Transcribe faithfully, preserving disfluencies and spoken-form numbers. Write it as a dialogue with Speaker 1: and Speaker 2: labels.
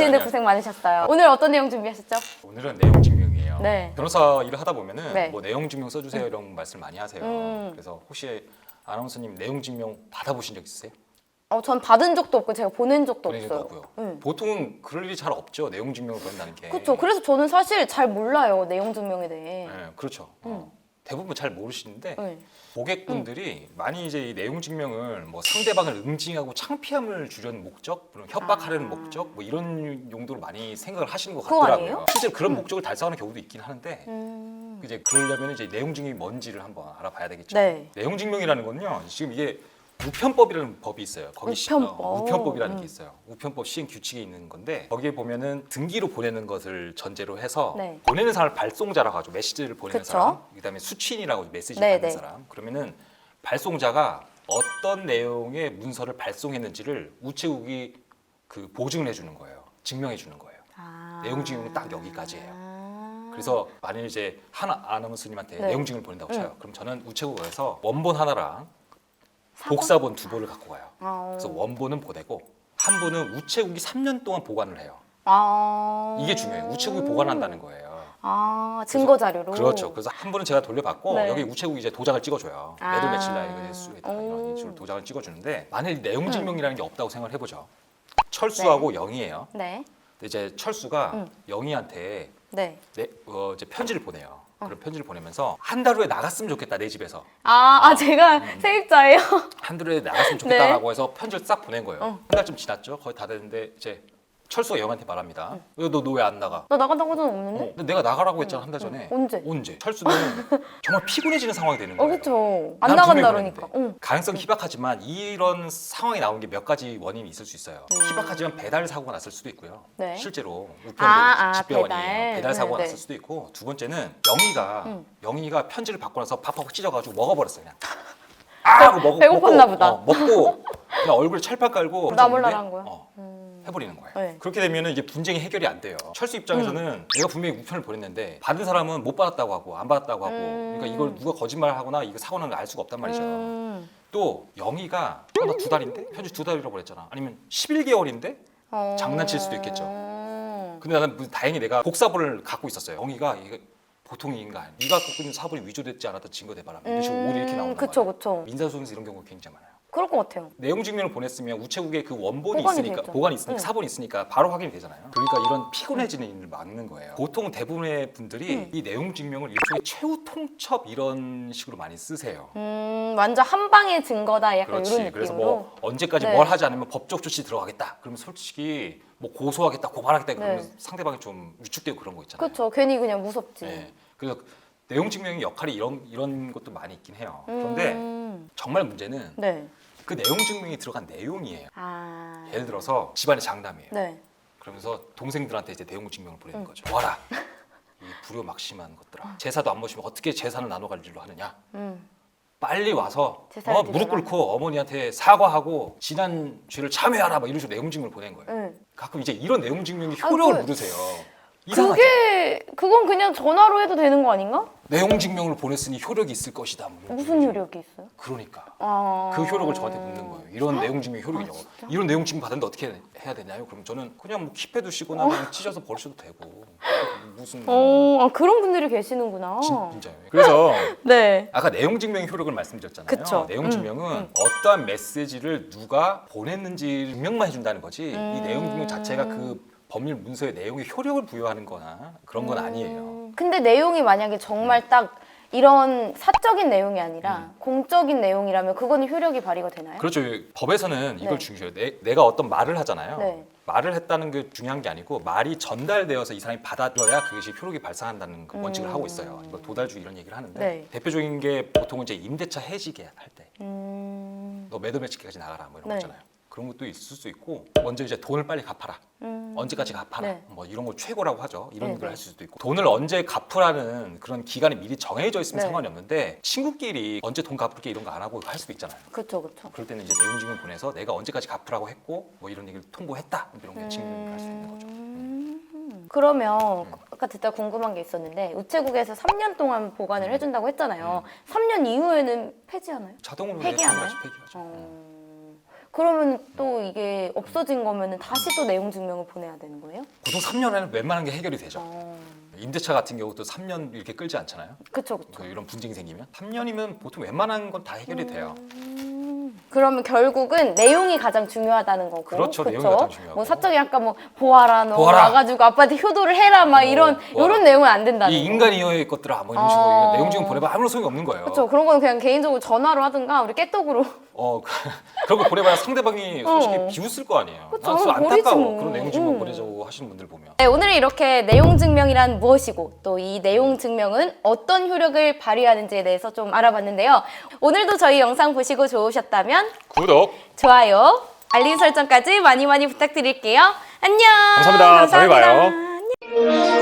Speaker 1: 오시는데
Speaker 2: 아니요.
Speaker 1: 고생 많으셨어요. 오늘 어떤 내용 준비하셨죠?
Speaker 2: 오늘은 내용 증명이에요.
Speaker 1: 네.
Speaker 2: 변호사 일을 하다 보면은
Speaker 1: 네.
Speaker 2: 뭐 내용 증명 써주세요 이런 말씀 많이 하세요.
Speaker 1: 음.
Speaker 2: 그래서 혹시 아나운서님 내용 증명 받아보신 적 있으세요?
Speaker 1: 어, 전 받은 적도 없고 제가 보낸 적도
Speaker 2: 보낸 적도
Speaker 1: 없어요.
Speaker 2: 없고요.
Speaker 1: 응.
Speaker 2: 보통은 그럴 일이 잘 없죠. 내용 증명을 보낸다는 게.
Speaker 1: 그렇죠. 그래서 저는 사실 잘 몰라요. 내용 증명에 대해.
Speaker 2: 네, 그렇죠.
Speaker 1: 음.
Speaker 2: 어, 대부분 잘 모르시는데
Speaker 1: 네.
Speaker 2: 고객분들이 많이 이제 이 내용 증명을 뭐 상대방을 응징하고 창피함을 주려는 목적, 그런 협박하려는
Speaker 1: 아.
Speaker 2: 목적, 뭐 이런 용도로 많이 생각을 하시는 것
Speaker 1: 그거
Speaker 2: 같더라고요.
Speaker 1: 아니에요?
Speaker 2: 실제로 그런 목적을 달성하는 경우도 있긴 하는데
Speaker 1: 음.
Speaker 2: 이제 그러려면 이제 내용 증명이 뭔지를 한번 알아봐야 되겠죠.
Speaker 1: 네.
Speaker 2: 내용 증명이라는 건요, 지금 이게 우편법이라는 법이 있어요. 거기 시-
Speaker 1: 우편법.
Speaker 2: 어, 우편법이라는
Speaker 1: 음.
Speaker 2: 게 있어요. 우편법 시행 규칙이 있는 건데 거기에 보면은 등기로 보내는 것을 전제로 해서
Speaker 1: 네.
Speaker 2: 보내는 사람을 발송자라고 하죠. 메시지를 보내는
Speaker 1: 그쵸.
Speaker 2: 사람, 그다음에 수취인이라고 메시지
Speaker 1: 네,
Speaker 2: 받는
Speaker 1: 네.
Speaker 2: 사람. 그러면은 발송자가 어떤 내용의 문서를 발송했는지를 우체국이 그 보증을 해주는 거예요. 증명해 주는 거예요.
Speaker 1: 아.
Speaker 2: 내용 증명은 딱 여기까지예요.
Speaker 1: 아.
Speaker 2: 그래서 만일 이제 한 아나운서님한테
Speaker 1: 네.
Speaker 2: 내용 증명을 보낸다고 쳐요.
Speaker 1: 응.
Speaker 2: 그럼 저는 우체국에서 원본 하나랑
Speaker 1: 사본?
Speaker 2: 복사본 두 본을 갖고 가요.
Speaker 1: 아.
Speaker 2: 그래서 원본은 보내고 한 본은 우체국이 삼 년 동안 보관을 해요.
Speaker 1: 아.
Speaker 2: 이게 중요해요. 우체국이 보관한다는 거예요.
Speaker 1: 아, 증거 자료로.
Speaker 2: 그렇죠. 그래서 한 본은 제가 돌려받고
Speaker 1: 네.
Speaker 2: 여기 우체국이 이제 도장을 찍어줘요.
Speaker 1: 아.
Speaker 2: 매달 며칠 날 이거 수에다 이런
Speaker 1: 오.
Speaker 2: 식으로 도장을 찍어주는데 만일 내용 증명이라는 게 없다고 생각을 해보죠. 철수하고 영희예요.
Speaker 1: 네.
Speaker 2: 근데 이제 철수가
Speaker 1: 응.
Speaker 2: 영희한테
Speaker 1: 네.
Speaker 2: 내, 어, 이제 편지를 보내요. 그런 편지를 보내면서 한 달 후에 나갔으면 좋겠다 내 집에서
Speaker 1: 아, 아 제가
Speaker 2: 음.
Speaker 1: 세입자예요.
Speaker 2: 한 달 후에 나갔으면 좋겠다라고 해서 편지를 싹 보낸 거예요.
Speaker 1: 어.
Speaker 2: 한 달쯤 지났죠. 거의 다 됐는데 이제 철수가 영한테 말합니다. 너 너 왜 안 나가?
Speaker 1: 나 나간다고 하는 없는데?
Speaker 2: 어, 근데 내가 나가라고 했잖아 한 달 전에.
Speaker 1: 언제?
Speaker 2: 언제? 철수는 정말 피곤해지는 상황이 되는
Speaker 1: 어,
Speaker 2: 거예요.
Speaker 1: 그쵸. 안
Speaker 2: 난
Speaker 1: 나간다
Speaker 2: 분명히
Speaker 1: 그러니까.
Speaker 2: 그랬는데.
Speaker 1: 응.
Speaker 2: 가능성이 희박하지만 이런 상황이 나온 게 몇 가지 원인이 있을 수 있어요. 희박하지만 배달 사고가 났을 수도 있고요.
Speaker 1: 음. 네.
Speaker 2: 실제로 우편도
Speaker 1: 아, 아,
Speaker 2: 집배원이에요.
Speaker 1: 배달.
Speaker 2: 배달, 사고가
Speaker 1: 네,
Speaker 2: 났을
Speaker 1: 네.
Speaker 2: 수도 있고 두 번째는 영희가
Speaker 1: 음.
Speaker 2: 영희가 편지를 받고 나서 팍팍 찢어가지고 먹어버렸어요. 그냥. 아 하고 먹고
Speaker 1: 배고팠나
Speaker 2: 먹고,
Speaker 1: 보다.
Speaker 2: 어, 먹고 그냥 얼굴에 철판 깔고
Speaker 1: 나
Speaker 2: 던졌는데,
Speaker 1: 몰라라 한 거야?
Speaker 2: 어,
Speaker 1: 음.
Speaker 2: 해버리는 거예요.
Speaker 1: 네.
Speaker 2: 그렇게 되면 이제 분쟁이 해결이 안 돼요. 철수 입장에서는
Speaker 1: 음.
Speaker 2: 내가 분명히 우편을 보냈는데 받은 사람은 못 받았다고 하고 안 받았다고 하고
Speaker 1: 음.
Speaker 2: 그러니까 이걸 누가 거짓말하거나 이거 사고 난 걸 알 수가 없단 말이죠.
Speaker 1: 음.
Speaker 2: 또 영희가 어, 나 두 달인데? 편지 두 달이라고 그랬잖아. 아니면 십일 개월인데?
Speaker 1: 어.
Speaker 2: 장난칠 수도 있겠죠.
Speaker 1: 음.
Speaker 2: 근데 나는 무슨 다행히 내가 복사본을 갖고 있었어요. 영희가 이게 보통의 인간, 네가 갖고 있는 사본이 위조됐지 않았던 증거 대바람 이런 식으로 오리 이렇게 나온단
Speaker 1: 그쵸,
Speaker 2: 말이에요.
Speaker 1: 그쵸.
Speaker 2: 민사소송에서 이런 경우가 굉장히 많아요.
Speaker 1: 그럴 것 같아요.
Speaker 2: 내용 증명을 보냈으면 우체국에 그 원본이
Speaker 1: 보관이
Speaker 2: 있으니까
Speaker 1: 되죠.
Speaker 2: 보관이 있으니까
Speaker 1: 응.
Speaker 2: 사본이 있으니까 바로 확인이 되잖아요. 그러니까 이런 피곤해지는 일을 막는 거예요. 보통 대부분의 분들이
Speaker 1: 응.
Speaker 2: 이 내용 증명을 일종의 최후 통첩 이런 식으로 많이 쓰세요.
Speaker 1: 음, 완전 한 방의 증거다. 약간
Speaker 2: 그렇지.
Speaker 1: 이런 느낌으로.
Speaker 2: 그래서 뭐 언제까지
Speaker 1: 네.
Speaker 2: 뭘 하지 않으면 법적 조치 들어가겠다. 그러면 솔직히 뭐 고소하겠다, 고발하겠다 그러면
Speaker 1: 네.
Speaker 2: 상대방이 좀 위축되고 그런 거 있잖아요.
Speaker 1: 그쵸. 괜히 그냥 무섭지.
Speaker 2: 네. 그래서 내용 증명의 역할이 이런 이런 것도 많이 있긴 해요. 그런데
Speaker 1: 음.
Speaker 2: 정말 문제는
Speaker 1: 네.
Speaker 2: 그 내용 증명이 들어간 내용이에요.
Speaker 1: 아.
Speaker 2: 예를 들어서 집안의 장남이에요.
Speaker 1: 네.
Speaker 2: 그러면서 동생들한테 이제 내용 증명을 보내는
Speaker 1: 응.
Speaker 2: 거죠. 와라. 이 불효막심한 것들아. 제사도 안 모시면 어떻게 제사를 나눠 가지로 하느냐.
Speaker 1: 음.
Speaker 2: 빨리 와서
Speaker 1: 제사를
Speaker 2: 어, 무릎
Speaker 1: 드려라.
Speaker 2: 꿇고 어머니한테 사과하고 지난 죄를 참회하라 막 이런 식으로 내용 증명을 보낸 거예요.
Speaker 1: 네.
Speaker 2: 가끔 이제 이런 내용 증명이
Speaker 1: 아,
Speaker 2: 효력을
Speaker 1: 그-
Speaker 2: 물으세요. 이상하죠?
Speaker 1: 그게 그건 그냥 전화로 해도 되는 거 아닌가?
Speaker 2: 내용 증명을 보냈으니 효력이 있을 것이다. 뭐 이런
Speaker 1: 무슨
Speaker 2: 식으로.
Speaker 1: 효력이 있어요?
Speaker 2: 그러니까
Speaker 1: 아.
Speaker 2: 그 효력을 저한테 묻는 거예요. 이런 내용 증명 효력이냐고.
Speaker 1: 아, 진짜?
Speaker 2: 이런 내용 증명 받았는데 어떻게 해야 되나요? 그럼 저는 그냥 뭐 킵해 두시거나 그냥 찢어서 버리셔도 되고 무슨
Speaker 1: 어, 아, 그런 분들이 계시는구나.
Speaker 2: 진, 진짜요. 그래서
Speaker 1: 네.
Speaker 2: 아까 내용 증명의 효력을 말씀드렸잖아요.
Speaker 1: 그쵸.
Speaker 2: 내용
Speaker 1: 음,
Speaker 2: 증명은
Speaker 1: 음.
Speaker 2: 어떠한 메시지를 누가 보냈는지 증명만 해준다는 거지
Speaker 1: 음.
Speaker 2: 이 내용 증명 자체가 그 법률 문서의 내용에 효력을 부여하는 거나 그런 건 아니에요.
Speaker 1: 음, 근데 내용이 만약에 정말 딱 이런 사적인 내용이 아니라 공적인 내용이라면 그거는 효력이 발휘가 되나요?
Speaker 2: 그렇죠. 법에서는 이걸
Speaker 1: 네.
Speaker 2: 중요해요. 내, 내가 어떤 말을 하잖아요.
Speaker 1: 네.
Speaker 2: 말을 했다는 게 중요한 게 아니고 말이 전달되어서 이 사람이 받아들여야 그것이 효력이 발생한다는 그 원칙을
Speaker 1: 음.
Speaker 2: 하고 있어요. 뭐 도달주의 이런 얘기를 하는데
Speaker 1: 네.
Speaker 2: 대표적인 게 보통은 이제 임대차 해지계 할 때 너
Speaker 1: 음.
Speaker 2: 매도 매치기까지 나가라 뭐 이런
Speaker 1: 네.
Speaker 2: 거 있잖아요. 그런 것도 있을 수 있고 먼저 이제 돈을 빨리 갚아라.
Speaker 1: 음.
Speaker 2: 언제까지 갚아라.
Speaker 1: 네.
Speaker 2: 뭐 이런 걸 최고라고 하죠. 이런
Speaker 1: 네,
Speaker 2: 얘기를
Speaker 1: 네.
Speaker 2: 할 수도 있고 돈을 언제 갚으라는 그런 기간이 미리 정해져 있으면
Speaker 1: 네.
Speaker 2: 상관이 없는데 친구끼리 언제 돈 갚을게 이런 거 안 하고 할 수도 있잖아요.
Speaker 1: 그쵸, 그쵸.
Speaker 2: 그럴 때는 이제 내용 증명 보내서 내가 언제까지 갚으라고 했고 뭐 이런 얘기를 통보했다 이런 게 증명을 할 수 있는 거죠.
Speaker 1: 음. 그러면 아까 듣다 궁금한 게 있었는데 우체국에서 삼 년 동안 보관을 해준다고 했잖아요. 삼 년 이후에는 폐지하나요?
Speaker 2: 자동으로
Speaker 1: 폐기하나요?
Speaker 2: 폐기하죠. 폐기하죠.
Speaker 1: 어... 그러면 또 이게 없어진 거면은 다시 또 내용 증명을 보내야 되는 거예요?
Speaker 2: 보통 삼 년 안에 웬만한 게 해결이 되죠.
Speaker 1: 어...
Speaker 2: 임대차 같은 경우도 삼 년 이렇게 끌지 않잖아요.
Speaker 1: 그쵸 그쵸.
Speaker 2: 그 이런 분쟁이 생기면 삼 년이면 보통 웬만한 건 다 해결이 돼요.
Speaker 1: 음... 그러면 결국은 내용이 가장 중요하다는 거고.
Speaker 2: 그렇죠.
Speaker 1: 그쵸?
Speaker 2: 내용이 가장 중요하고.
Speaker 1: 뭐 사적이 아까 뭐 보아라 너
Speaker 2: 보아라.
Speaker 1: 와가지고 아빠한테 효도를 해라 막
Speaker 2: 어,
Speaker 1: 이런
Speaker 2: 보아라.
Speaker 1: 이런 내용은 안 된다는
Speaker 2: 이
Speaker 1: 거.
Speaker 2: 인간이어의 것들아 뭐 이런 식으로
Speaker 1: 어.
Speaker 2: 내용 증명 보내봐 아무런 소용이 없는 거예요.
Speaker 1: 그렇죠. 그런 거는 그냥 개인적으로 전화로 하든가 우리 깨떡으로.
Speaker 2: 어 그런 거 보내봐야 상대방이 솔직히
Speaker 1: 어.
Speaker 2: 비웃을 거 아니에요.
Speaker 1: 그쵸,
Speaker 2: 난 진짜
Speaker 1: 버리지
Speaker 2: 안타까워.
Speaker 1: 뭐.
Speaker 2: 그런 내용 증명
Speaker 1: 음.
Speaker 2: 보내자고 하시는 분들 보면.
Speaker 1: 네, 오늘은 이렇게 내용 증명이란 무엇이고 또 이 내용 증명은 어떤 효력을 발휘하는지에 대해서 좀 알아봤는데요. 오늘도 저희 영상 보시고 좋으셨다면
Speaker 2: 구독.
Speaker 1: 좋아요, 알림 설정까지 많이 많이 부탁드릴게요. 안녕.
Speaker 2: 감사합니다. 다음에 봐요.
Speaker 1: 안녕.